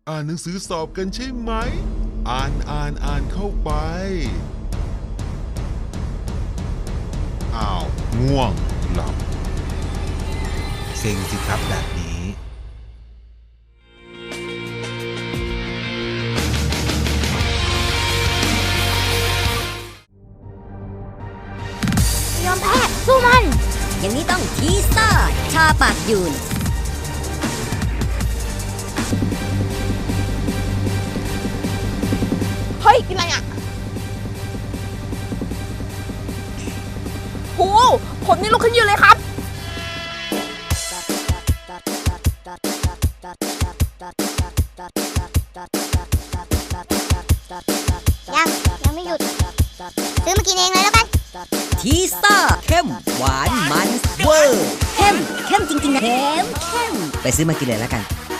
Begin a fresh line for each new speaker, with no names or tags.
อ่านหนังสือสอบกันใช่ไหมอ่านเข้าไปอ้าวง่วงหลับ
เซ็งสิครับแบบนี้
ยอมแพ้สู้มัน
อย่างนี้ต้องทีซ่าชาปากยูน
เฮ้ย กินอะไรอ่ะโหผมนี่ลุกขึ้นยืนเลยครับ ยังไม่หยุด ซื้อมากินเองเลยแล้วกัน
ทีซ่าเข้มหวานมันเวอร์เข้มจริงๆนะเข้มไปซื้อมากินเลยแล้วกัน